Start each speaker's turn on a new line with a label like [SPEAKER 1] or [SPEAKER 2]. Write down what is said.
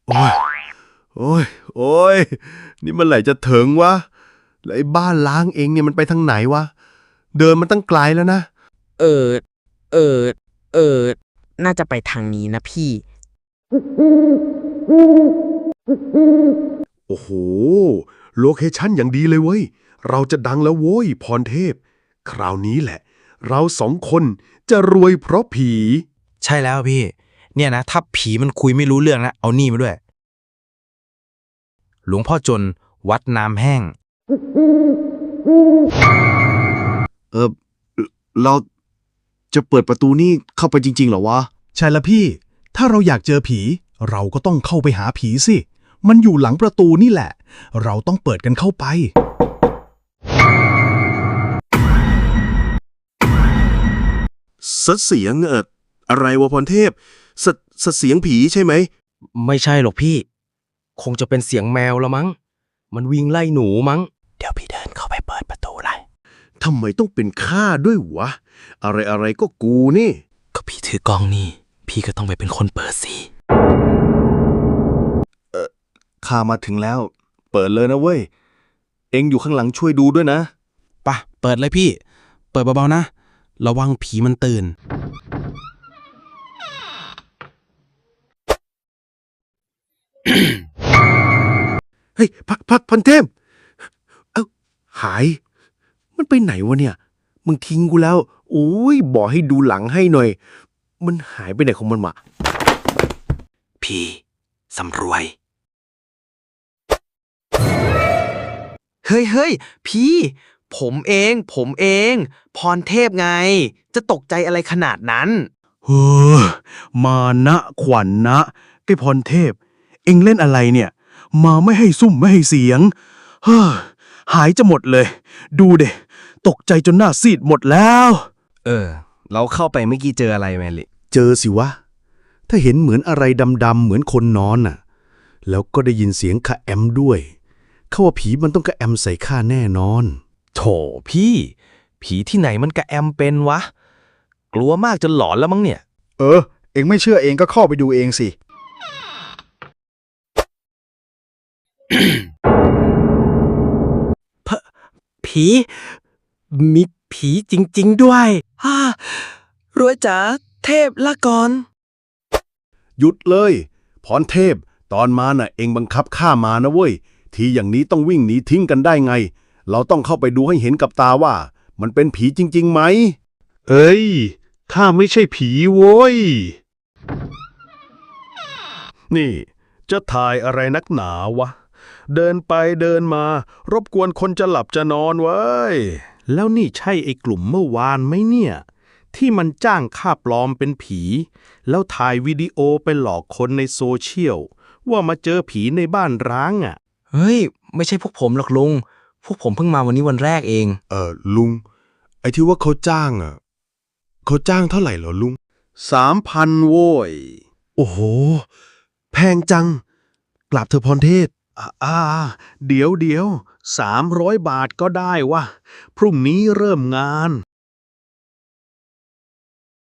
[SPEAKER 1] โอ้ยโอ้ยโอ้ยนี่เมื่อไหร่จะถึงวะแล้วไอ้บ้านล้างเองเนี่ยมันไปทางไหนวะเดินมันตั้งไกลแล้วนะ
[SPEAKER 2] เออเออเออน่าจะไปทางนี้นะพี่
[SPEAKER 1] โอ้โหโลเคชั่นอย่างดีเลยเว้ยเราจะดังแล้วโว้ยพรเทพคราวนี้แหละเราสองคนจะรวยเพราะผี
[SPEAKER 3] ใช่แล้วพี่ เนี่ยนะถ้าผีมันคุยไม่รู้เรื่องนะเอานี่มาด้วย หลวงพ่อจนวัดน้ำแห้ง
[SPEAKER 4] เราจะเปิดประตูนี่เข้าไปจริงๆเหรอวะ
[SPEAKER 5] ใช่ละพี่ ถ้าเราอยากเจอผี เราก็ต้องเข้าไปหาผีสิ มันอยู่หลังประตูนี่แหละ เราต้องเปิดกันเข้าไป
[SPEAKER 4] เสียงอะไรวะพรเทพเสียงผีใช่ไหม
[SPEAKER 6] ไม่ใช่หรอกพี่ คงจะเป็นเสียงแมวละมั้ง มันวิ่งไล่หนูมั้ง
[SPEAKER 3] เดี๋ยวพี่เดินเข้าไปเปิดประตูเลย
[SPEAKER 1] ทำไมต้องเป็นข้าด้วยวะ อะไรก็กูนี่
[SPEAKER 3] ก็พี่ถือกล้องนี่ พี่ก็ต้องไปเป็นคนเปิดสิ
[SPEAKER 1] ข้ามาถึงแล้ว เปิดเลยนะเว้ย เอ็งอยู่ข้างหลังช่วยดูด้วยนะ
[SPEAKER 3] ปะเปิดเลยพี่ เปิดเบาๆนะ ระวังผีมันตื่น
[SPEAKER 1] เฮ้ยพันเทพเอ้าหาย มันไปไหนวะเนี่ย มึงทิ้งกูแล้วโอ้ยบอกให้ดูหลังให้หน่อย มันหายไปไหนของมันวะ
[SPEAKER 3] ผีสำรวย
[SPEAKER 6] เฮ้ยพี่ ผมเอง พรเทพไง จะตกใจอะไรขนาดนั้น
[SPEAKER 5] เฮ้อมานะขวัญนะไอ้พรเทพ เอ็งเล่นอะไรเนี่ย มาไม่ให้ซุ่มไม่ให้เสียง เฮ้อหายจะหมดเลย ดูเดตกใจจนหน้าซีดหมดแล้ว
[SPEAKER 6] เราเข้าไปเมื่อกี้เจออะไรไหมลิ
[SPEAKER 1] เจอสิวะ ถ้าเห็นเหมือนอะไรดำๆเหมือนคนนอนน่ะ แล้วก็ได้ยินเสียงคะแอมด้วย เขาว่าผีมันต้องกระแอมใส่ข้าแน่นอน
[SPEAKER 6] โถพี่ ผีที่ไหนมันกระแอมเป็นวะ กลัวมากจนหลอนแล้วมั้งเนี่ย
[SPEAKER 7] เองไม่เชื่อเองก็เข้าไปดูเองสิ
[SPEAKER 6] ผีมีผีจริงๆด้วยรวยจ๋าเทพละก่อน
[SPEAKER 1] หยุดเลย พรเทพ ตอนมาน่ะเองบังคับข้ามานะเว้ย ทีอย่างนี้ต้องวิ่งหนีทิ้งกันได้ไง เราต้องเข้าไปดูให้เห็นกับตาว่า มันเป็นผีจริงๆไหม
[SPEAKER 5] เอ้ย ข้าไม่ใช่ผีโว้ย นี่ จะถ่ายอะไรนักหนาวะ เดินไปเดินมา รบกวนคนจะหลับจะนอนเว้ย แล้วนี่ใช่ไอ้กลุ่มเมื่อวานไหมเนี่ย ที่มันจ้างข้าปลอมเป็นผี แล้วถ่ายวิดีโอไปหลอกคนในโซเชียล ว่ามาเจอผีในบ้านร้างอ่ะ
[SPEAKER 6] เฮ้ย ไม่ใช่พวกผมหรอกลุง พวกผมเพิ่งมาวันนี้วันแรกเอง
[SPEAKER 1] ลุง ไอ้ที่ว่าเขาจ้างอ่ะ เขาจ้างเท่าไหร่เหรอลุง
[SPEAKER 4] 3,000 โว้ย
[SPEAKER 1] โอ้โห แพงจัง กลับเธอะพรเทพ
[SPEAKER 5] เดี๋ยว300 บาทก็ได้วะ พรุ่งนี้เริ่มงาน